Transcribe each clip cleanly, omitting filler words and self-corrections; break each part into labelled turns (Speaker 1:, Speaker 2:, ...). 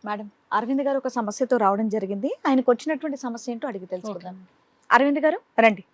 Speaker 1: Madam, Arvind గారు ఒక సమస్యతో రావడం జరిగింది. ఆయనకు వచ్చినటువంటి సమస్య ఏంటో అడిగి తెలుసుకుందాం. అరవింద్ గారు రండి.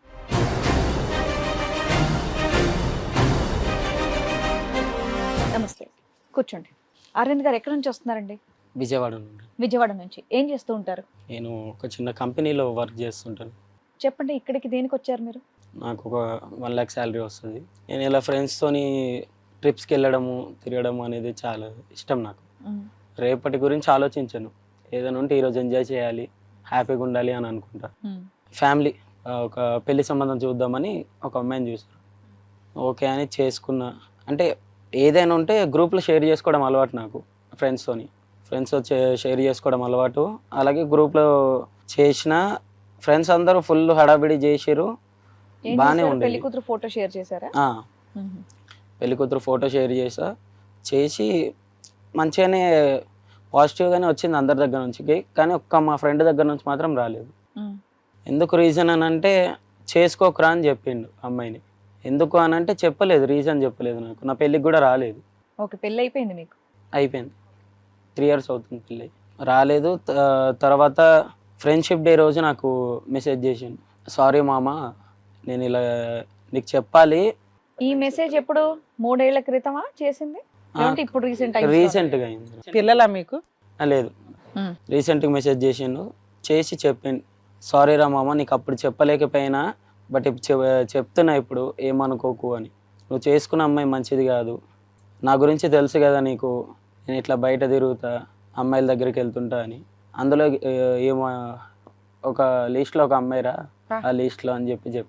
Speaker 1: నమస్తే, కూర్చోండి. అరవింద్ గారు ఎక్కడి నుంచి వస్తున్నారండి?
Speaker 2: విజయవాడ నుండి.
Speaker 1: విజయవాడ నుంచి. ఏం చేస్తూ ఉంటారు?
Speaker 2: నేను ఒక చిన్న కంపెనీలో వర్క్ చేస్తుంటాను.
Speaker 1: చెప్పండి, ఇక్కడికి దేనికి వచ్చారు మీరు?
Speaker 2: నాకు ఒక 1 lakh శాలరీ వస్తుంది. నేను ఇలా ఫ్రెండ్స్తోని ట్రిప్స్కి వెళ్ళడము తిరగడము అనేది చాలా ఇష్టం నాకు. రేపటి గురించి ఆలోచించను. ఏదైనా ఉంటే ఈరోజు ఎంజాయ్ చేయాలి, హ్యాపీగా ఉండాలి అని అనుకుంటా. ఫ్యామిలీ ఒక పెళ్లి సంబంధం చూద్దామని ఒక అమ్మాయిని చూసారు. ఓకే అని చేసుకున్నా. అంటే ఏదైనా ఉంటే గ్రూప్లో షేర్ చేసుకోవడం అలవాటు నాకు. ఫ్రెండ్స్తో షేర్ చేసుకోవడం అలవాటు. అలాగే గ్రూప్లో చేసిన ఫ్రెండ్స్ అందరూ ఫుల్ హడావిడి చేసిరు. బాగానే ఉండేది.
Speaker 1: పెళ్లి కూతురు ఫోటో షేర్ చేశారా?
Speaker 2: పెళ్లి కూతురు ఫోటో షేర్ చేసి మంచిగానే పాజిటివ్గానే వచ్చింది అందరి దగ్గర నుంచి. కానీ మా ఫ్రెండ్ దగ్గర నుంచి మాత్రం రాలేదు. ఎందుకు రీజన్ అని అంటే చేసుకోకరా అని చెప్పిండు అమ్మాయిని. ఎందుకు అని అంటే చెప్పలేదు, రీజన్ చెప్పలేదు నాకు. నా పెళ్ళికి కూడా రాలేదు.
Speaker 1: ఓకే, పెళ్ళి అయిపోయింది మీకు?
Speaker 2: అయిపోయింది, 3 years అవుతుంది పెళ్ళి. రాలేదు. తర్వాత ఫ్రెండ్షిప్ డే రోజు నాకు మెసేజ్ చేసిండు, సారీ మామ నేను ఇలా నీకు చెప్పాలి.
Speaker 1: ఈ మెసేజ్ ఎప్పుడు? 3 ఏళ్ల క్రితమా చేసింది? ఇప్పుడు
Speaker 2: రీసెంట్గా అయింది.
Speaker 3: పిల్లలా మీకు?
Speaker 2: లేదు, రీసెంట్గా మెసేజ్ చేసిండు. చేసి చెప్పిండు, సారీ రా మామ నీకు అప్పుడు చెప్పలేకపోయినా, బట్ ఇప్పుడు చెప్తున్నా, ఇప్పుడు ఏమనుకోకు అని. నువ్వు చేసుకున్న అమ్మాయి మంచిది కాదు, నా గురించి తెలుసు కదా నీకు, నేను ఇట్లా బయట తిరుగుతా, అమ్మాయిల దగ్గరికి వెళ్తుంటా అని. అందులో ఏమో ఒక లిస్ట్లో ఒక అమ్మాయిరా ఆ లిస్ట్లో అని చెప్పి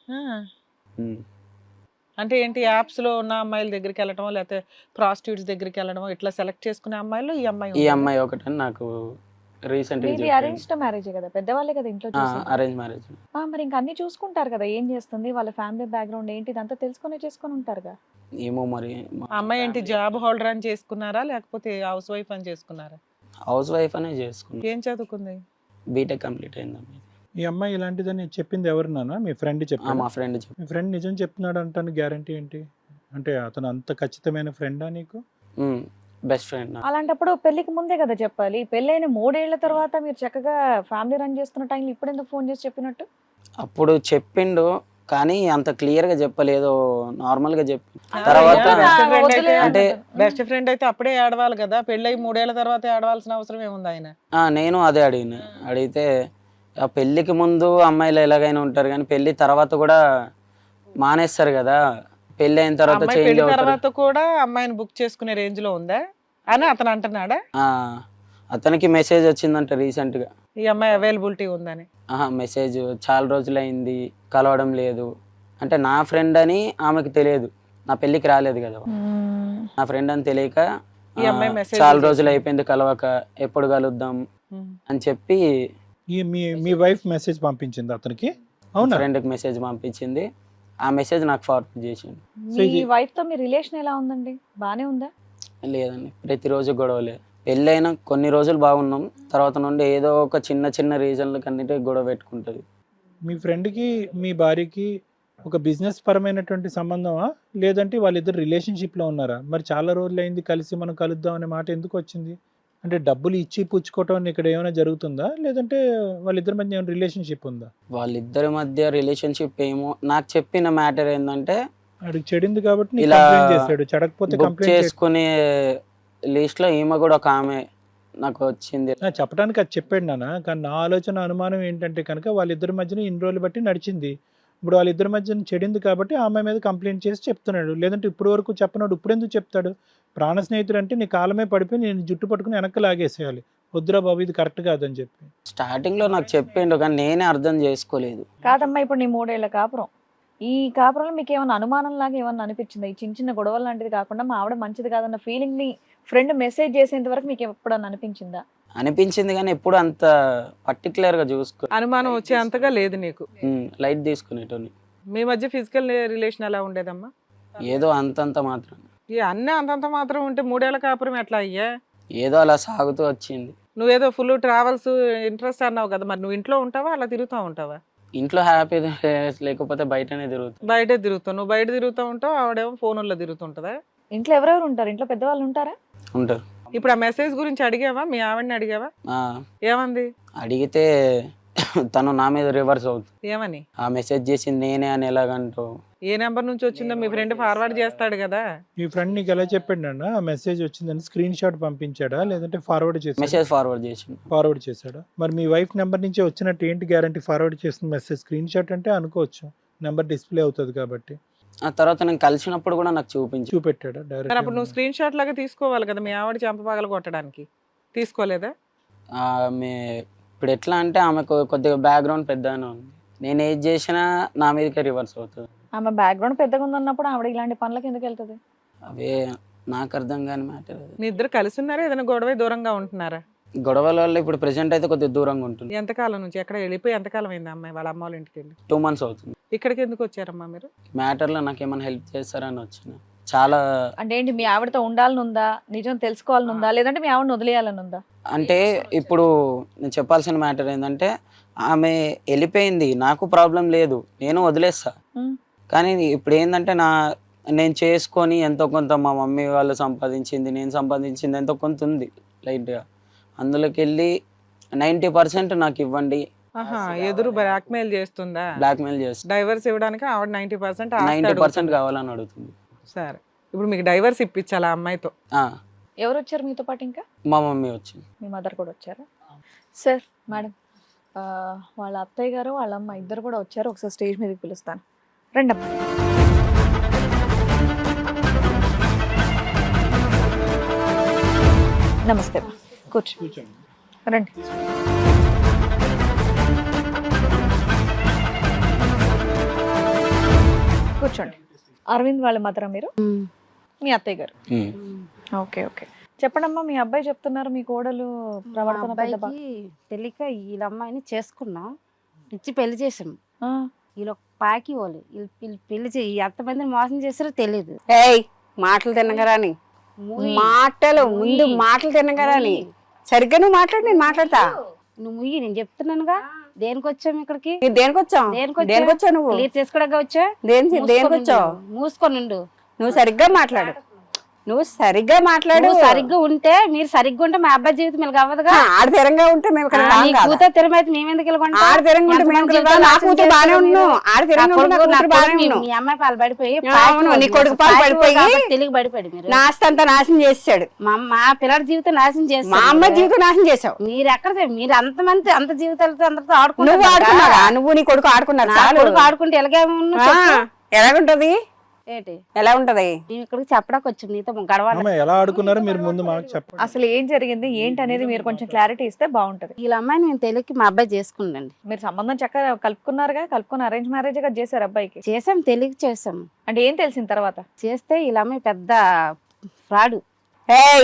Speaker 3: అంటే ఏంటి, యాప్స్ లో ఉన్న అమ్మాయిల దగ్గరికి వెళ్ళడమో లేకపోతే ప్రాస్టిట్యూట్స్ దగ్గరికి వెళ్ళడమో ఇట్లా సెలెక్ట్ చేసుకునే అమ్మాయిలు ఈ
Speaker 2: అమ్మాయి ఒకటని నాకు రీసెంట్గా.
Speaker 1: అరేంజ్డ్ మ్యారేజ్ కదా, పెద్దవాళ్ళే కదా ఇంట్లో చూసేది.
Speaker 2: Arrange marriage.
Speaker 1: మరి ఇంకా అన్ని చూసుకుంటారు కదా, ఏం చేస్తుంది, వాళ్ళ ఫ్యామిలీ బ్యాక్గ్రౌండ్ ఏంటి, ఇదంతా చేసుకొని ఉంటారుగా.
Speaker 2: ఏమో మరి.
Speaker 3: అమ్మాయి ఏంటి జాబ్ హోల్డర్ అని చేసుకున్నారా లేకపోతే హౌస్ వైఫ్ అని చేసుకున్నారా?
Speaker 2: హౌస్ వైఫ్ అనే చేసుకున్నా.
Speaker 3: ఏం చదువుకుంది?
Speaker 2: బీటెక్ కంప్లీట్ అయింది.
Speaker 4: ఈ అమ్మాయి ఇలాంటిదని చెప్పింది ఎవరు నాన్న? మీ ఫ్రెండ్ చెప్పాడు?
Speaker 2: మా ఫ్రెండ్.
Speaker 4: మీ ఫ్రెండ్ నిజం చెప్తున్నాడు అంటాను గ్యారంటీ ఏంటి? అంటే అతను అంత ఖచ్చితమైన ఫ్రెండా నీకు?
Speaker 2: Best friend.
Speaker 1: అలాంటప్పుడు పెళ్లికి ముందే కదా చెప్పాలి. పెళ్ళైన 3 ఏళ్ల తర్వాత మీరు చక్కగా ఫ్యామిలీ రన్ చేస్తున్న టైంలో ఇప్పుడు ఎందుకు ఫోన్ చేసి చెప్పినట్టు?
Speaker 2: అప్పుడు చెప్పిండు కానీ అంత క్లియర్ గా చెప్పలేదు, నార్మల్ గా చెప్పి. తర్వాత
Speaker 3: అంటే బెస్ట్ ఫ్రెండ్ అయితే అప్పుడే ఏడవాలి కదా, పెళ్ళై 3 ఏళ్ల తర్వాత ఏడవాల్సిన అవసరం ఏముంది ఆయన?
Speaker 2: నేను అదే అడిగితే ఆ పెళ్లికి ముందు అమ్మాయిలు ఎలాగైనా ఉంటారు కానీ పెళ్లి తర్వాత కూడా మానేస్తారు కదా, పెళ్లి అయిన తర్వాత చేంజ్
Speaker 3: తర్వాత కూడా అమ్మాయిని బుక్ చేసుకునే రేంజ్ లో ఉందా అని అతను అంటున్నాడా?
Speaker 2: అతనికి మెసేజ్ వచ్చిందంట రీసెంట్ గా,
Speaker 3: ఈ అమ్మాయి అవైలబిలిటీ ఉందని.
Speaker 2: మెసేజ్ చాలా రోజులైంది కలవడం లేదు అంటే. నా ఫ్రెండ్ అని ఆమెకు తెలియదు, నా పెళ్లికి రాలేదు కదా, నా ఫ్రెండ్ అని తెలియక చాలా రోజులు అయిపోయింది కలవక, ఎప్పుడు కలుద్దాం అని చెప్పి
Speaker 4: మీ వైఫ్ మెసేజ్ పంపించింది అతనికి? అవునా?
Speaker 2: ఫ్రెండ్కి మెసేజ్ పంపించింది, ఆ మెసేజ్ నాకు ఫార్వర్డ్ చేసింది.
Speaker 1: మీ వైఫ్ తో మీ రిలేషన్ ఎలా ఉందండి? బానే ఉందా?
Speaker 2: లేదండి, ప్రతిరోజు గొడవలే. పెళ్ళైనా కొన్ని రోజులు బాగున్నాం, తర్వాత నుండి ఏదో ఒక చిన్న రీజన్లకు అన్నిటి గొడవ పెట్టుకుంటుంది.
Speaker 4: మీ ఫ్రెండ్కి మీ భార్యకి ఒక బిజినెస్ పరమైనటువంటి సంబంధమా, లేదంటే వాళ్ళిద్దరు రిలేషన్షిప్లో ఉన్నారా? మరి చాలా రోజులు అయింది కలిసి, మనం కలుద్దాం అనే మాట ఎందుకు వచ్చింది? అంటే డబ్బులు ఇచ్చి పుచ్చుకోవటం ఇక్కడ ఏమైనా జరుగుతుందా, లేదంటే వాళ్ళిద్దరి మధ్య ఏమైనా రిలేషన్షిప్ ఉందా?
Speaker 2: వాళ్ళిద్దరి మధ్య రిలేషన్షిప్ ఏమో. నాకు చెప్పిన మ్యాటర్ ఏంటంటే,
Speaker 4: అడిగి చెడింది కాబట్టి
Speaker 2: ఇలా
Speaker 4: చేశాడు, చెడకపోతే కంప్లైంట్
Speaker 2: చేసుకునే లిస్ట్ లో ఈమె కూడా ఒక ఆమె నాకు వచ్చింది.
Speaker 4: చెప్పడానికి అది చెప్పాడు నాన్న, కానీ నా ఆలోచన అనుమానం ఏంటంటే కనుక వాళ్ళిద్దరి మధ్యన ఇన్ని రోజులు బట్టి నడిచింది, ఇప్పుడు వాళ్ళిద్దరి మధ్యన చెడింది కాబట్టి ఆమె మీద కంప్లైంట్ చేసి చెప్తున్నాడు. లేదంటే ఇప్పుడు వరకు చెప్పనాడు, ఇప్పుడు ఎందుకు చెప్తాడు? ప్రాణ స్నేహితుడు అంటే నీ కాలమే పడిపోయి నేను జుట్టు పట్టుకుని వెనక్కి లాగేసేయాలి, వద్దురా బాబు ఇది కరెక్ట్ కాదని చెప్పి
Speaker 2: స్టార్టింగ్ లో నాకు చెప్పిండు, కానీ నేనే అర్థం చేసుకోలేదు.
Speaker 1: కాదమ్మా, ఇప్పుడు నీ 3 ఏళ్ల కాపురం, ఈ కాపురంలో మీకు ఏమైనా అనుమానం లాగా ఏమన్నా అనిపించిందా? ఈ చిన్న గొడవలు లాంటిది కాకుండా మా ఆవిడ మంచిది కాదన్న ఫీలింగ్ ని ఫ్రెండ్ మెసేజ్ చేసేంత వరకు మీకు ఎప్పుడన్నా అనిపించిందా?
Speaker 2: అనిపించింది కానీ ఎప్పుడు అంత పర్టికులర్ గా చూసుకో,
Speaker 3: అనుమానం వచ్చే అంతగా లేదు నీకు.
Speaker 2: లైట్ తీసుకునేటోని.
Speaker 3: మీ మధ్య ఫిజికల్ రిలేషన్ ఎలా ఉండేదమ్మా?
Speaker 2: ఏదో అంతంత మాత్రం.
Speaker 3: అన్నీ అంతంత మాత్రం ఉంటే 3 ఏళ్ల కాపురం ఎట్లా అయ్యా?
Speaker 2: ఏదో అలా సాగుతూ వచ్చింది.
Speaker 3: నువ్వేదో ఫుల్ ట్రావెల్స్ ఇంట్రెస్ట్ అన్నావు కదా, మరి నువ్వు ఇంట్లో ఉంటావా అలా తిరుగుతూ ఉంటావా?
Speaker 2: ఇంట్లో హ్యాపీ లేకపోతే బయటనే తిరుగుతావు.
Speaker 3: బయటే తిరుగుతావు, నువ్వు బయట తిరుగుతూ ఉంటావు, ఆవిడేమో ఫోన్లో తిరుగుతుంటదా?
Speaker 1: ఇంట్లో ఎవరెవరు ఉంటారు? ఇంట్లో పెద్దవాళ్ళు ఉంటారా?
Speaker 2: ఉంటారు.
Speaker 3: ఇప్పుడు ఆ మెసేజ్ గురించి అడిగావా, మీ ఆవిడని అడిగావా?
Speaker 2: ఆ,
Speaker 3: ఏమంది?
Speaker 2: అడిగితే తను నా మీద రివర్స్ అవుతుంది.
Speaker 3: ఏమని?
Speaker 2: ఆ మెసేజ్ చేసింది నేనే అని ఎలాగంటూ.
Speaker 3: ఏ నెంబర్ నుంచి వచ్చిందో మీ ఫ్రెండ్ ఫార్వర్డ్ చేస్తాడు కదా.
Speaker 4: మీ ఫ్రెండ్ నీకు ఎలా చెప్పాడు అన్న ఆ మెసేజ్ వచ్చిందని? స్క్రీన్ షాట్ పంపించాడా లేదంటే ఫార్వర్డ్ చేసాడా?
Speaker 2: మెసేజ్ ఫార్వర్డ్ చేసిండు.
Speaker 4: ఫార్వర్డ్ చేశాడా? మరి మీ వైఫ్ నెంబర్ నుంచే వచ్చినట్టు ఏంటి గ్యారంటీ? ఫార్వర్డ్ చేసిన మెసేజ్ స్క్రీన్ షాట్ అంటే అనుకోవచ్చు, నెంబర్ డిస్ప్లే అవుతుంది కాబట్టి.
Speaker 2: ఆ తర్వాత నేను కలిసినప్పుడు కూడా నాకు చూపించు.
Speaker 4: చూపెట్టాడా
Speaker 3: మరి అప్పుడు నువ్వు
Speaker 4: డైరెక్ట్?
Speaker 3: స్క్రీన్ షాట్ లాగా తీసుకోవాలి కదా, మీ ఆవిడ చెంపపగల కొట్టడానికి. తీసుకోలేదా?
Speaker 2: ఆమె ఇప్పుడు ఎట్లా అంటే ఆమెకు కొద్దిగా బ్యాక్గ్రౌండ్ పెద్దగానే ఉంది. నేను ఏది చేసినా నా మీదకే రివర్స్ అవుతుంది.
Speaker 1: ఆమె బ్యాక్గ్రౌండ్ పెద్దగా ఉందన్నప్పుడు ఆవిడ ఇలాంటి పనులకు ఎందుకు వెళ్తుంది?
Speaker 2: అవే నాకు అర్థం కాని మ్యాటర్.
Speaker 3: మీ ఇద్దరు కలిసి ఉన్నారా, ఏదైనా గొడవ దూరంగా ఉంటున్నారా?
Speaker 2: గొడవల వల్ల ఇప్పుడు ప్రెసెంట్ అయితే కొద్దిగా దూరంగా ఉంటుంది.
Speaker 3: ఎంతకాలం నుంచి? ఎక్కడ వెళ్ళిపోయి ఎంతకాలం అయింది అమ్మాయి వాళ్ళ అమ్మ వాళ్ళ ఇంటికి వెళ్ళి?
Speaker 2: 2 months అవుతుంది.
Speaker 3: ఇక్కడికి ఎందుకు వచ్చారమ్మా మీరు?
Speaker 2: మ్యాటర్లో నాకు ఏమైనా హెల్ప్ చేస్తారని వచ్చిన. చాలా
Speaker 1: అంటే ఏంటి, మీ ఆవిడతో ఉండాలని ఉందా, నిజం తెలుసుకోవాలని ఉందా, లేదంటే మీ ఆవిడని వదిలేయాలని ఉందా?
Speaker 2: అంటే ఇప్పుడు నేను చెప్పాల్సిన మ్యాటర్ ఏంటంటే ఆమె వెళ్ళిపోయింది, నాకు ప్రాబ్లం లేదు, నేను వదిలేస్తా.
Speaker 1: ఉమ్.
Speaker 2: కానీ ఇప్పుడు ఏంటంటే నేను చేసుకొని ఎంతో కొంత మా మమ్మీ వాళ్ళు సంపాదించింది, నేను సంపాదించింది ఎంతో కొంత ఉంది లైట్గా, అందులోకి వెళ్ళి 90% నాకు ఇవ్వండి.
Speaker 3: ఆహా, ఎదురు బ్లాక్మెయిల్ చేస్తుందా?
Speaker 2: బ్లాక్మెయిల్ చేస్తా.
Speaker 3: డైవర్స్ ఇవ్వడానికి ఆవిడ 90%
Speaker 2: 90% కావాలని అడుగుతుంది.
Speaker 3: సరే, ఇప్పుడు మీకు డైవర్స్ ఇప్పించాలి ఆ అమ్మాయితో.
Speaker 2: ఆ,
Speaker 1: ఎవరు వచ్చారు మీతో పాటు? ఇంకా
Speaker 2: మా మమ్మీ వచ్చింది.
Speaker 1: మీ మదర్ కూడా వచ్చారా? సార్, మేడం, వాళ్ళ అత్తయ్య గారు వాళ్ళ అమ్మ ఇద్దరు కూడా వచ్చారు. ఒకసారి స్టేజ్ మీదకి పిలుస్తాను, రండి అమ్మ. నమస్తే అమ్మ. కూర్చో, రండి. కూర్చోండి. అరవింద్ వాళ్ళ మదరా మీరు? మీ అత్తయ్య గారు. ఓకే ఓకే, చెప్పండమ్మా. మీ అబ్బాయి చెప్తున్నారు మీ కోడలు ప్రవర్తన పెద్ద బా-
Speaker 5: అబ్బాయికి తెలియక వీళ్ళ అమ్మాయిని చేసుకున్నాం, ఇచ్చి పెళ్లి చేసాం.
Speaker 1: ఆ,
Speaker 5: వీళ్ళు ఒక పాకి వాళ్ళు వీళ్ళు పెళ్లి చేయి ఎంతమందిని మోసం చేస్తారో తెలియదు.
Speaker 6: ఏయ్ మాటలు తినగరాని మాటలు ముందు మాటలు తినగరాని సరిగ్గా నువ్వు మాట్లాడు, నేను మాట్లాడతా.
Speaker 5: నువ్వు ముయ్యి, నేను చెప్తున్నానుగా. దేనికి వచ్చాం ఇక్కడికి?
Speaker 6: మీరు దేనికి వచ్చావు? దేనికి వచ్చావు నువ్వు?
Speaker 5: క్లియర్ చేసుకోవడానికి వచ్చా.
Speaker 6: దేనికి వచ్చావు?
Speaker 5: మూసుకోనుండు.
Speaker 6: నువ్వు సరిగ్గా మాట్లాడు, నువ్వు సరిగ్గా మాట్లాడు.
Speaker 5: నువ్వు సరిగ్గా ఉంటే, మీరు సరిగ్గా ఉంటే మా అబ్బాయి జీవితం ఇలా అవ్వదుగా.
Speaker 6: ఆడతీరంగా ఉంటే మేము ఇక్కడ రాం కాదా?
Speaker 5: కూతురు తిరమైతే మేమెందుకు వెళ్ళకుంటాం?
Speaker 6: ఆడతీరంగా ఉంటే మేము ఇక్కడ రాం. నా కూతురు బానే ఉన్నావు, ఆడతీరంగా ఉంటే నా కూతురు బానే ఉన్నావు.
Speaker 5: మీ అమ్మాయి పాలు పడిపోయి,
Speaker 6: అవును, నీ కొడుకు పాలు పడిపోయి
Speaker 5: తెలియక పడిపోయాడు. మీరు
Speaker 6: నా ఆస్తి అంతా నాశనం చేసాడు.
Speaker 5: మా పిల్లడి జీవితం నాశనం చేస్తారు.
Speaker 6: మా అమ్మ జీవితం నాశనం చేసావు.
Speaker 5: మీరు ఎక్కడ మీరు అంతమంది అంత జీవితాలతో అందరితో
Speaker 6: నువ్వు
Speaker 5: ఆడుకుంటున్నారు.
Speaker 6: ఆడుకున్నారా? నువ్వు నీ కొడుకు ఆడుకున్నారు.
Speaker 5: నా కొడుకు ఆడుకుంటే ఎలాగే
Speaker 6: ఎలాగుంటది?
Speaker 5: ఏంటి
Speaker 6: ఎలా ఉంటది?
Speaker 5: మేము ఇక్కడికి చెప్పడానికి వచ్చాం, నీతో గడవాలి.
Speaker 4: అమ్మ, ఎలా ఆడుకున్నారో మీరు ముందు మాకు చెప్పండి.
Speaker 1: అసలు ఏం జరిగింది ఏంటి అనేది మీరు కొంచెం క్లారిటీ ఇస్తే బాగుంటది.
Speaker 5: వీళ్ళ అమ్మాయిని మేము తెలియక మా అబ్బాయి చేసుకుందండి.
Speaker 1: మీరు సంబంధం చక్కగా కలుపుకున్నారుగా, కలుపుకుని అరేంజ్ మ్యారేజ్ గా చేశారు అబ్బాయికి.
Speaker 5: చేసాం, తెలియక చేసాం.
Speaker 1: అంటే ఏం తెలిసిన తర్వాత?
Speaker 5: చేస్తే వీళ్ళ అమ్మాయి పెద్ద ఫ్రాడు.
Speaker 6: ఏయ్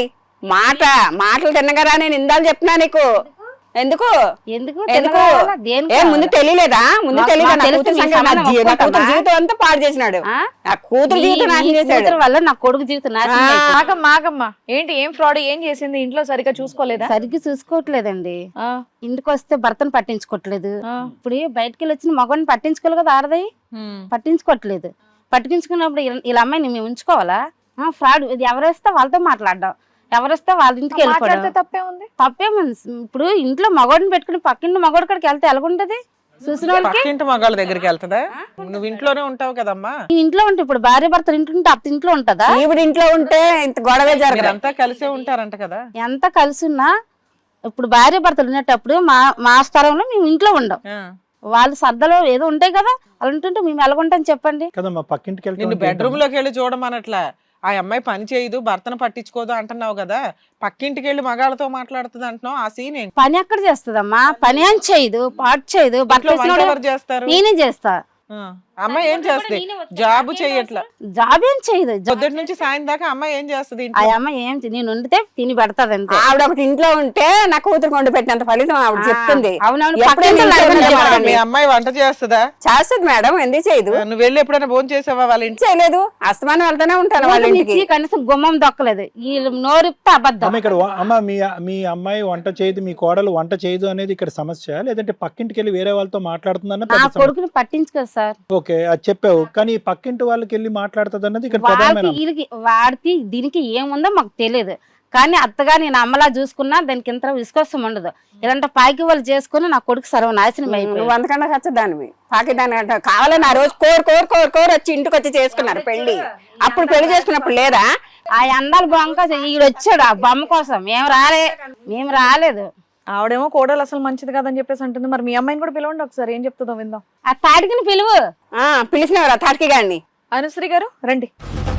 Speaker 6: మాటలు తిన్నగరా, నేను ఇందాలు చెప్తున్నా నీకు. ఎందుకు
Speaker 5: ఎందుకు
Speaker 6: ఎందుకు?
Speaker 5: తెలియదా? దేనికి
Speaker 6: ఏ ముందు తెలియలేదా? ముందు
Speaker 5: మాకు
Speaker 6: తెలియదా? నా
Speaker 5: తెలుసు,
Speaker 6: కూతురు
Speaker 5: మీ
Speaker 6: సంగతి, నా
Speaker 5: సంబంధం
Speaker 6: నా కూతురు
Speaker 5: ఒప్పుకుంటామా?
Speaker 6: జీవితం అంతా పాడు చేసినాడు.
Speaker 5: ఆ?
Speaker 6: నా కూతురు జీవితం నాశనం
Speaker 5: మీ
Speaker 6: చేశాడు.
Speaker 5: కూతురు వల్ల నా కొడుకు జీవితం నాశనం అయిపోయింది.
Speaker 1: మాకమ్మా ఏంటి, ఏం ఫ్రాడ్ ఏం చేసింది? ఇంట్లో సరిగ్గా చూసుకోలేదా?
Speaker 5: సరిగ్గా చూసుకోవట్లేదండి.
Speaker 1: ఆ,
Speaker 5: ఇంటికి వస్తే భర్తను పట్టించుకోవట్లేదు.
Speaker 1: ఆ.
Speaker 5: ఇప్పుడు బయటకి వెళ్ళి వచ్చిన మగవాడిని పట్టించుకోవాలి కదా, ఆడది పట్టించుకోవట్లేదు. పట్టించుకున్నప్పుడు వీళ్ళ అమ్మాయిని మేము ఉంచుకోవాలా? ఫ్రాడ్. ఇది ఎవరేస్తే వాళ్ళతో మాట్లాడడం, ఎవరేస్తే వాళ్ళ ఇంటికి
Speaker 1: మాట్లాడితే
Speaker 5: వెళ్ళిపోవడం.
Speaker 1: తప్పే ఉంది.
Speaker 5: తప్పేముంది? ఇప్పుడు ఇంట్లో మగవాడిని పెట్టుకుని పక్కింటి మగవాడి కాడికి వెళ్తే ఎలాగుంటది? చూసిన వాళ్ళకి
Speaker 3: పక్కింటి మగాళ్ళ దగ్గరికి వెళ్తుందా? నువ్వు ఇంట్లోనే ఉంటావు కదమ్మా.
Speaker 5: ఈ ఇంట్లో ఉంటే, ఇప్పుడు భార్య భర్తలు ఇంట్లో ఉంటే అత్త ఇంట్లో ఉంటదా?
Speaker 6: ఈవిడ ఇంట్లో ఉంటే ఇంత గొడవే జరగదు.
Speaker 3: మీరంతా కలిసే ఉంటారంట కదా.
Speaker 5: ఎంత కలిసి ఉన్నా ఇప్పుడు భార్య భర్తలు ఉండేటప్పుడు మా స్థలంలో మేము ఇంట్లో ఉండం.
Speaker 3: ఆ.
Speaker 5: వాళ్ళ సర్దలో ఏదో ఉంటాయి కదా, అలా ఉంటుంటే మేము ఎలాగుంటాం చెప్పండి?
Speaker 4: కదమ్మా, పక్కింటికి
Speaker 3: నిన్ను
Speaker 4: వెళ్తే
Speaker 3: బెడ్రూమ్ లోకి వెళ్ళి చూడమనట్లా. ఆ అమ్మాయి పని చేయదు, భర్తను పట్టించుకోదు అంటున్నావు కదా. పక్కింటికి వెళ్ళి మగాళ్ళతో మాట్లాడుతుంది అంటున్నావు. ఆ సీన్ ఏంటి?
Speaker 5: పని ఎక్కడ చేస్తుందమ్మా? పని ఏం చేయదు, పాటు చేయదు.
Speaker 3: ఇంట్లో వంట
Speaker 5: బట్టలు
Speaker 3: ఎవరు చేస్తారు?
Speaker 5: నేనే చేస్తా.
Speaker 3: ఆ. అమ్మాయి ఏం చేస్తుంది? జాబ్ చేయట్లా.
Speaker 5: జాబ్ ఏం చేయదు.
Speaker 3: పొద్దుటి నుంచి సాయం దాకా అమ్మాయి ఏం చేస్తుంది
Speaker 5: ఆ
Speaker 3: ఇంట్లో?
Speaker 5: అమ్మ ఏం నేను వండితే తిని పెడతాది అంతే.
Speaker 6: ఆవిడ ఒకటి ఇంట్లో ఉంటే నా కూతురు కొండ పెట్టినంత ఫలితం ఆవిడ చెప్తుంది.
Speaker 5: అవునవును,
Speaker 6: ఎప్పుడైనా
Speaker 5: పక్కింటి
Speaker 6: ఇంట్లో
Speaker 5: వాళ్ళని
Speaker 6: ఉండే
Speaker 5: చెప్పండి.
Speaker 6: వాళ్ళని.
Speaker 3: మీ అమ్మాయి వంట చేస్తుందా?
Speaker 6: చేస్తుంది మేడం, ఎందుకు చేయదు?
Speaker 3: నువ్వు వెళ్ళి ఎప్పుడైనా భోజనం చేసావా వాళ్ళ ఇంటి?
Speaker 6: చేయలేదు, అస్తమానం వెళ్తానే ఉంటాను వాళ్ళ
Speaker 5: ఊరికి
Speaker 6: ఇంటికి.
Speaker 5: మిర్చి కనీసం గుమ్మం దొక్కలేదు. వీళ్ళు నోరిప్తే అబద్ధం.
Speaker 4: అమ్మ, ఇక్కడ అమ్మ మీ అమ్మాయి వంట చేయదు, మీ కోడలు వంట చేయదు అనేది ఇక్కడ సమస్య, లేదంటే పక్కింటికి వెళ్ళి వేరే వాళ్ళతో మాట్లాడుతుందన్న
Speaker 5: నా
Speaker 4: పెద్ద సమస్య.
Speaker 5: కొడుకుని పట్టించుకోదు సార్.
Speaker 4: ఓకే, అది చెప్పావు, కానీ పక్కింటి వాళ్ళకి వెళ్ళి మాట్లాడుతుంది అన్నది ఇక్కడ
Speaker 5: వాళ్ళకి
Speaker 4: ప్రధానమైన
Speaker 5: వీళ్ళకి వాడికి దీనికి ఏముందో మాకు తెలియదు. కానీ అత్తగా నేను అమ్మలా చూసుకున్నా దానికి ఇంత విశ్వాసం ఉండదు. ఇలాంటి పాకి వాళ్ళు చేసుకుని నా కొడుకు సర్వనాశనం
Speaker 6: నువ్వు
Speaker 5: అయిపోయింది.
Speaker 6: అంతకన్నా ఖచ్చిదానివి పాకిదాని అంట కావాలని ఆ రోజు కోరు వచ్చి ఇంటికి వచ్చి చేసుకున్నారు పెళ్లి. అప్పుడు పెళ్లి చేసుకున్నప్పుడు లేదా
Speaker 5: ఆ అందాల బొమ్మ ఈడు వచ్చాడు ఆ బొమ్మ కోసం. మేము రాలేదు.
Speaker 1: ఆవిడేమో కోడలు అసలు మంచిది కాదని చెప్పేసి అంటుంది. మరి మీ అమ్మాయిని కూడా పిలవండి ఒకసారి, ఏం చెప్తుందో విందాం.
Speaker 5: ఆ తాటికిని పిలువు.
Speaker 6: పిలిచినవారు ఆ తాటికి గాడిని.
Speaker 1: అనుశ్రీ గారు రండి.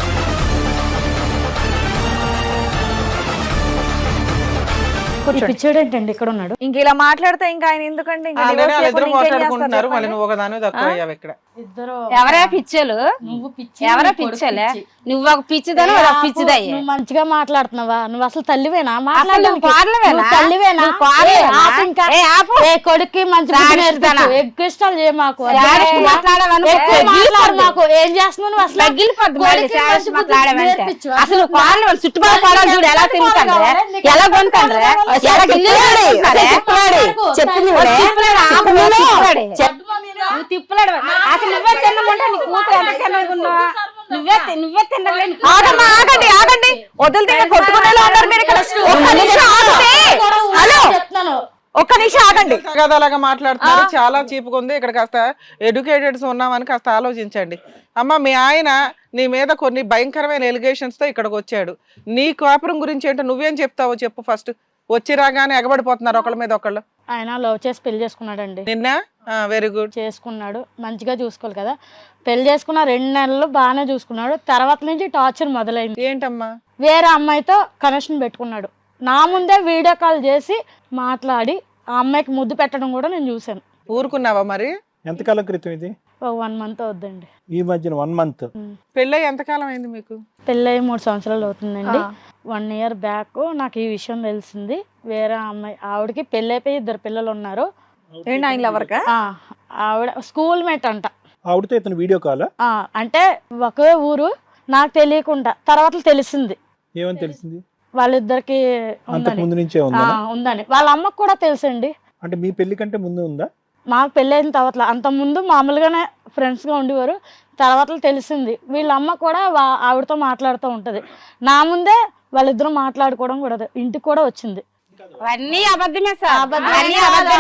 Speaker 7: పిచ్చాడేంటండి ఇక్కడ ఉన్నాడు?
Speaker 1: ఇంక ఇలా మాట్లాడితే ఇంకా ఆయన ఎందుకండి? ఇంకా
Speaker 3: ఆల్రెడీ
Speaker 1: divorce
Speaker 3: వాళ్ళిద్దరు
Speaker 1: చేయకుండా ఇంకేం
Speaker 3: మాట్లాడుకుంటున్నారు.
Speaker 1: చేస్తారు
Speaker 3: మళ్ళీ నువ్వు ఒకదాని తక్కువ అయ్యావు ఇక్కడ.
Speaker 7: ఇద్దరు
Speaker 5: ఎవరే పిచ్చలు?
Speaker 7: నువ్వు పిచ్చి,
Speaker 5: ఎవరే
Speaker 7: నీ కొడుకు
Speaker 5: పిచ్చలే?
Speaker 7: పిచ్చి.
Speaker 5: నువ్వు ఒక పిచ్చిదని ఒక పిచ్చిదయ్యే.
Speaker 7: నువ్వు మంచిగా మాట్లాడుతున్నావా? నువ్వు అసలు తల్లివేనా?
Speaker 5: అసలు నువ్వు కోడలివేనా?
Speaker 7: నువ్వు తల్లివేనా?
Speaker 5: నువ్వు కోడలివేనా?
Speaker 7: ఏ, ఆపు ఇంకా.
Speaker 5: ఏ, ఆపు.
Speaker 7: ఏ, కొడుక్కి మంచి బుద్ధి
Speaker 5: రాడిస్తానా?
Speaker 7: నేర్పించు. ఎగ్గిష్టాలు చేయ మాకు.
Speaker 5: శాడిస్ట్ మాట్లాడావనుకో,
Speaker 7: ఎక్కువ మాట్లాడు మాకు. ఏం చేస్తున్నావు నువ్వు అసలు?
Speaker 5: తగ్గిలిపోద్ది మళ్ళీ
Speaker 7: కొడుక్కి
Speaker 5: శాడిస్ట్
Speaker 7: మంచి బుద్ధి
Speaker 5: మాట్లాడావంటే.
Speaker 7: నేర్పించు.
Speaker 5: అసలు కోడలు చుట్టుపక్కల కోడలు చూడు ఎలా తింటాండ్రే, ఎలా కొంటాండ్రే, ఎలా గిన్నెలు కడుక్కుంటారే.
Speaker 6: చెప్పింది
Speaker 5: ఓ తిప్పులాడు, ఆపు, నువ్వు తిప్పులాడే.
Speaker 7: నువ్వు
Speaker 5: తిప్పులాడు. అసలు నువ్వే తిన్నకుంటే నీ కూతురు ఎంత తిన్నగున్నావా? నువ్వే తినలేని
Speaker 1: ఆగమ్మా, ఆగండి ఆగండి, వదిలితే ఇంకా కొట్టుకునేలా ఉన్నారు మీరు ఇక్కడ. ఒక్క నిమిషం ఆగితే. హలో,
Speaker 7: చెప్తున్నాను.
Speaker 1: ఒక్క నిమిషం ఆగండి.
Speaker 3: తగాదాలాగా మాట్లాడుతున్నారు. చాలా చీపుగా ఉంది. ఇక్కడ కాస్త ఎడ్యుకేటెడ్స్ ఉన్నామని కాస్త ఆలోచించండి. అమ్మ, మీ ఆయన నీ మీద కొన్ని భయంకరమైన ఎలిగేషన్స్ తో ఇక్కడికి వచ్చాడు. నీ కాపురం గురించి ఏంటో నువ్వేం చెప్తావో చెప్పు ఫస్ట్. వచ్చి రాగానే ఎగబడిపోతున్నారు ఒకళ్ళ మీద ఒకళ్ళు.
Speaker 7: ఆయన లవ్ చేసి పెళ్లి చేసుకున్నాడండి.
Speaker 3: నిన్న వెరీ గుడ్
Speaker 7: చేసుకున్నాడు, మంచిగా చూసుకోవాలి కదా. పెళ్లి చేసుకున్న 2 నెలలు బాగానే చూసుకున్నాడు. తర్వాత నుంచి టార్చర్ మొదలైంది.
Speaker 3: ఏంటమ్మా?
Speaker 7: వేరే అమ్మాయితో కనెక్షన్ పెట్టుకున్నాడు. నా ముందే వీడియో కాల్ చేసి మాట్లాడి ఆ అమ్మాయికి ముద్దు పెట్టడం కూడా నేను చూశాను.
Speaker 3: ఊరుకున్నావా మరి?
Speaker 4: ఎంతకాలం క్రితం ఇది?
Speaker 7: ఒక 1 మంత్ అవుద్దండి.
Speaker 4: ఈ మధ్యన 1 మంత్.
Speaker 3: పెళ్ళై ఎంతకాలం అయింది మీకు?
Speaker 7: పెళ్ళయి 3 సంవత్సరాలు అవుతుందండి. 1 ఇయర్ బ్యాక్ నాకు ఈ విషయం తెలిసింది. వేరే అమ్మాయి, ఆవిడకి పెళ్ళైపోయి 2 పిల్లలు ఉన్నారు.
Speaker 1: ఏంటి ఆయన లవర్కా?
Speaker 7: ఆవిడ స్కూల్ మేట్ అంట.
Speaker 4: ఆవిడతో ఇతను వీడియో కాల్?
Speaker 7: అంటే ఒకే ఊరు, నాకు తెలియకుండా తర్వాత తెలిసింది.
Speaker 4: ఏమని తెలిసింది?
Speaker 7: వాళ్ళిద్దరికి
Speaker 4: అంతకు ముందు నుంచే ఉందా?
Speaker 7: ఉందని వాళ్ళ అమ్మకు కూడా తెలుసండి.
Speaker 4: అంటే మీ పెళ్లి కంటే ముందు ఉందా?
Speaker 7: మాకు పెళ్ళైన తర్వాత, అంత ముందు మామూలుగానే ఫ్రెండ్స్ గా ఉండేవారు. తర్వాత తెలిసింది. వీళ్ళ అమ్మ కూడా ఆవిడతో మాట్లాడుతూ ఉంటది. నా ముందే వాళ్ళిద్దరూ మాట్లాడుకోవడం కూడా ఇంటికి కూడా వచ్చింది.
Speaker 5: అన్నీ అబద్ధమే సార్.
Speaker 7: అబద్ధమే.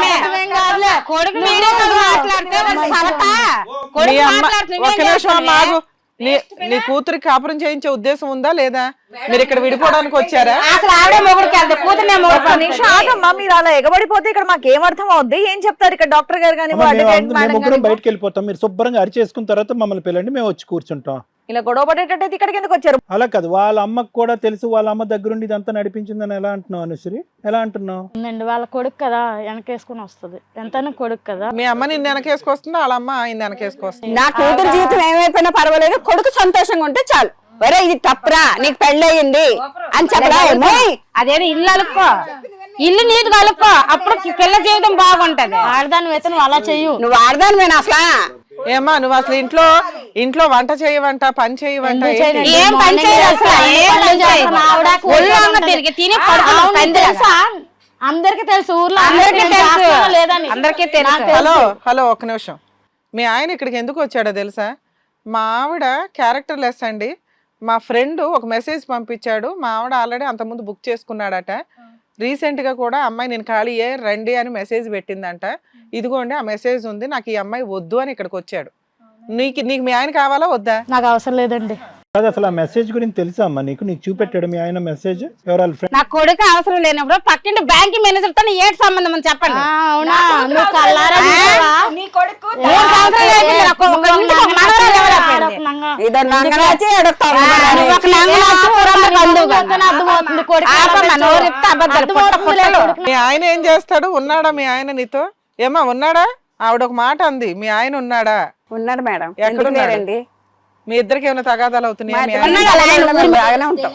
Speaker 5: కొడుకు వీడియో కాల్ మాట్లాడితే వాడు సవతా.
Speaker 3: మీ
Speaker 5: కొడుకు
Speaker 3: అమ్మ
Speaker 5: మాట్లాడితే
Speaker 3: ఒక్క
Speaker 5: నువ్వేం
Speaker 3: నిమిషం అమ్మ
Speaker 5: చేస్తున్నావే?
Speaker 3: ఆగు. నీ కూతురికి కాపురం చేయించే ఉద్దేశం ఉందా లేదా? మీరు ఇక్కడ విడిపోవడానికి వచ్చారా?
Speaker 5: అసలు ఆవిడే మొగుడికి వెళ్తే కూతురునే
Speaker 1: ఒక్క
Speaker 5: మొగుడు.
Speaker 1: నిమిషం ఆగమ్మా, మీరు అలా ఎగబడిపోతే ఇక్కడ మాకు ఏం అర్థం అవుద్ది? ఏం చెప్తారు ఇక్కడ డాక్టర్ గారు కానీ
Speaker 4: అమ్మ, మేము
Speaker 1: అడ్వకేట్ మేడం
Speaker 4: ముగ్గురం
Speaker 1: గానీ?
Speaker 4: బయటకు వెళ్ళిపోతాం. మీరు శుభ్రంగా అరిచేసుకున్న తర్వాత మమ్మల్ని పిల్లండి, మేము వచ్చి కూర్చుంటాం.
Speaker 1: ఇలా గొడవ పడేటట్టయితే ఇక్కడికి ఎందుకు వచ్చారు?
Speaker 4: అలా కాదు, వాళ్ళ అమ్మకు కూడా తెలుసు. వాళ్ళ అమ్మ దగ్గరుండి ఇదంతా నడిపించిందని ఎలా అంటున్నావు అనుశ్రీ? ఎలా అంటున్నావు?
Speaker 7: ఉందండి, వాళ్ళ కొడుకు కదా, వెనకేసుకుని వస్తుంది. ఎంతైనా కొడుకు కదా.
Speaker 3: మీ అమ్మ నిన్ను వెనకేసుకొస్తుందా? వాళ్ళ అమ్మ ఆయన వెనకేసుకొస్తుంది.
Speaker 6: నా కూతురు జీవితం ఏమైపోయినా పర్వాలేదు, కొడుకు సంతోషంగా ఉంటే చాలు. ఒరే ఇది తప్పురా, నీకు పెళ్ళయింది అని చెప్పరా?
Speaker 5: అదేదో ఇల్లు అలుక్కో, ఇల్లు నీట్ కలుపుకో, అప్పుడు పిల్ల జీవితం బాగుంటది.
Speaker 7: ఆడదాని వేతను అలా చెయ్యు.
Speaker 6: నువ్వు ఆడదానివేనా అసలు?
Speaker 3: ఏమ్మా నువ్వు అసలు ఇంట్లో వంట చేయవంట, పని చేయవంట,
Speaker 7: ఎందుకు
Speaker 3: ఏంటి?
Speaker 7: చేయను?
Speaker 5: ఏం పని చేయదు అసలు, ఏం పని చేయదు.
Speaker 7: ఆవిడ
Speaker 5: ఒళ్ళు అంగ తిరిగి తిని పడుకుని
Speaker 7: అవును,
Speaker 5: పందిరి.
Speaker 7: తెలుసా? అందరికీ తెలుసు, ఊర్లో
Speaker 5: అందరికీ
Speaker 7: నేను
Speaker 5: తెలుసు.
Speaker 7: చేస్తానో లేదని.
Speaker 5: అందరికీ తెలుసు.
Speaker 7: నాకు తెలుసు.
Speaker 3: హలో ఒక్క నిమిషం. మీ ఆయన ఇక్కడికి ఎందుకు వచ్చాడో తెలుసా? మా ఆవిడ క్యారెక్టర్ లెస్ అండి. మా ఫ్రెండ్ ఒక మెసేజ్ పంపించాడు. మా ఆవిడ ఆల్రెడీ అంతకుముందు బుక్ చేసుకున్నాడట. రీసెంట్ గా కూడా అమ్మాయి నేను ఖాళీయే రండి అని మెసేజ్ పెట్టిందంట. ఇదిగోండి ఆ మెసేజ్ ఉంది, నాకు ఈ అమ్మాయి వద్దు అని ఇక్కడికి వచ్చాడు. నీకు మీ ఆయన కావాలా వద్దా?
Speaker 7: నాకు అవసరం లేదండి.
Speaker 4: కాదు, అసలు ఆ మెసేజ్ గురించి తెలుసా అమ్మా నీకు? నీకు చూపెట్టాడు మీ ఆయన మెసేజ్? ఎవరు ఫ్రెండ్?
Speaker 5: నా కొడుకు అవసరం లేనప్పుడు పక్కింటి బ్యాంక్ మేనేజర్ తో ఏటి సంబంధం అని చెప్పండి.
Speaker 7: అవునా, నువ్వు కల్లారా చూసావా?
Speaker 1: నీ కొడుకు
Speaker 5: 3 సంవత్సరాలు అయిపోయింది. నాకు ఒక ఇంటికి ఒక మనవరాలు ఎవరు అయిపోయింది?
Speaker 6: ఇదో నంగనాచి ఎడుగుతావు.
Speaker 5: నువ్వు ఒక నంగనాచి ఊరమ్మ బంధువు కాదు.
Speaker 7: అర్థమవుతుంది కొడుకు.
Speaker 5: ఆపమ్మ, నోరు చెప్తే అబద్ధాలు, పుట్ట పుట్టలు.
Speaker 3: మీ ఆయన ఏం చేస్తాడు? ఉన్నాడా మీ ఆయన నీతో? ఏమా ఉన్నాడా? ఆవిడ ఒక మాట అంది, మీ ఆయన ఉన్నాడా?
Speaker 6: ఉన్నాడు మేడం.
Speaker 3: ఎక్కడ
Speaker 6: ఎందుకు
Speaker 3: ఉన్నాడు?
Speaker 6: లేరండి?
Speaker 3: మీ ఇద్దరికి ఏమైనా తగాదాలు అవుతున్నాయా? మీ ఆయన-
Speaker 6: ఉన్నాడు, అలాగే ఉన్నాడు, బాగానే ఉంటాం.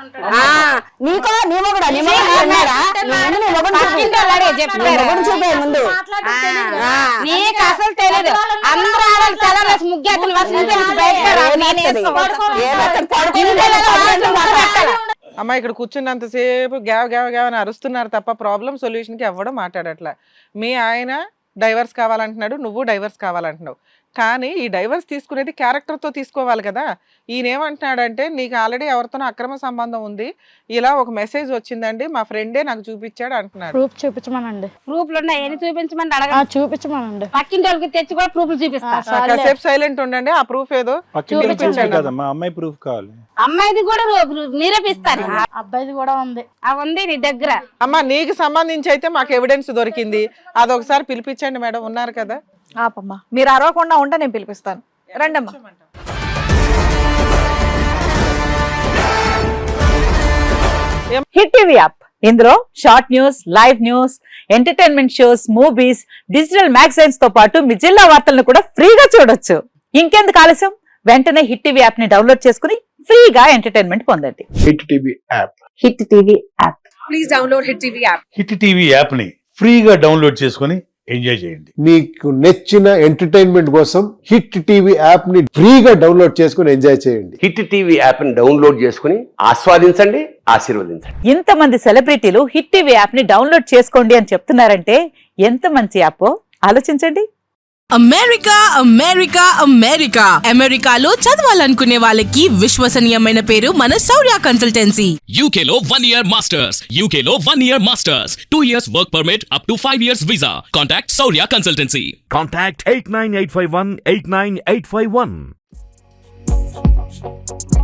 Speaker 6: నీకో నీ మొగుడా? నీ మొగుడు ఉన్నాడా? నీ మొగుడు
Speaker 5: పక్కింటి వాళ్ళడే చెప్పారు.
Speaker 6: చూపే ముందు.
Speaker 5: నీకు అసలు తెలియదు. అందరూ ఆడవాళ్ళు తెల్లలేసి ముగ్గేతను బయటకు రావు. నేను
Speaker 3: అమ్మ ఇక్కడ కూర్చున్నంతసేపు గ్యావ్ గ్యావ్ గ్యావ్ అని అరుస్తున్నారు తప్ప ప్రాబ్లం సొల్యూషన్ కి ఎవ్వడం మాట్లాడట్లే. మీ ఆయన డైవర్స్ కావాలంటున్నాడు, నువ్వు డైవర్స్ కావాలంటున్నావు. కానీ ఈ డైవర్స్ తీసుకునేది క్యారెక్టర్తో తీసుకోవాలి కదా. ఈయన ఏమంటున్నాడంటే నీకు ఆల్రెడీ ఎవరితోనో అక్రమ సంబంధం ఉంది, ఇలా ఒక మెసేజ్ వచ్చిందండి మా ఫ్రెండే నాకు చూపించాడు అంటున్నాడు.
Speaker 7: ప్రూఫ్ చూపించమనండి.
Speaker 5: ప్రూఫ్లు ఉన్నాయి, ఏమి చూపించమని అడగ.
Speaker 7: చూపించమనండి.
Speaker 5: పక్కింటి వాళ్ళకి తెచ్చి కూడా ప్రూఫ్లు చూపిస్తా.
Speaker 3: కాసేపు సైలెంట్ ఉండండి, ఆ ప్రూఫ్ ఏదో
Speaker 4: పక్కన
Speaker 3: చూపించండి.
Speaker 4: కదమ్మా, అమ్మాయి ప్రూఫ్ కావాలి.
Speaker 5: అమ్మాయిది కూడా నిరూపిస్తాను.
Speaker 7: అబ్బాయిది కూడా ఉంది.
Speaker 5: ఉంది నీ దగ్గర.
Speaker 3: అమ్మ నీకు సంబంధించి అయితే మాకు ఎవిడెన్స్ దొరికింది, అదొకసారి పిలిపించండి మేడం, ఉన్నారు కదా.
Speaker 1: ఆపమ్మా, మీరు అరవకుండా ఉంటే నేను పిలిపిస్తాను. రండమ్మా.
Speaker 8: హిట్ టీవీ యాప్, ఇందులో short news, live news, entertainment shows, movies, digital magazines తో పాటు మీ జిల్లా వార్తలను కూడా ఫ్రీగా చూడొచ్చు. ఇంకెందుకు ఆలస్యం, వెంటనే హిట్ టీవీ యాప్ ని డౌన్లోడ్ చేసుకుని ఫ్రీగా ఎంటర్టైన్మెంట్ పొందండి.
Speaker 9: Hit TV app.
Speaker 8: Hit TV app.
Speaker 10: Please download hit TV app.
Speaker 9: Hit TV app ని ఫ్రీగా డౌన్లోడ్ చేసుకొని ఎంజాయ్ చేయండి.
Speaker 11: మీకు నచ్చిన ఎంటర్టైన్మెంట్ కోసం హిట్ టీవీ యాప్ ని ఫ్రీగా డౌన్లోడ్ చేసుకుని ఎంజాయ్ చేయండి.
Speaker 12: హిట్ టీవీ యాప్ ని డౌన్లోడ్ చేసుకుని ఆస్వాదించండి, ఆశీర్వదించండి.
Speaker 8: ఇంతమంది సెలబ్రిటీలు హిట్ టీవీ యాప్ ని డౌన్లోడ్ చేసుకోండి అని చెప్తున్నారంటే ఎంత మంచి యాప్ ఆలోచించండి.
Speaker 10: అమెరికా అమెరికా అమెరికా అమెరికాలో చదవాలనుకునే వాళ్ళకి విశ్వసనీయమైన పేరు మన శౌర్య కన్సల్టెన్సీ.
Speaker 13: UK లో 1 year masters, UK లో 1 year masters, 2 years work permit up to 5 years visa. Contact Saurya Consultancy.
Speaker 14: Contact 89851 89851.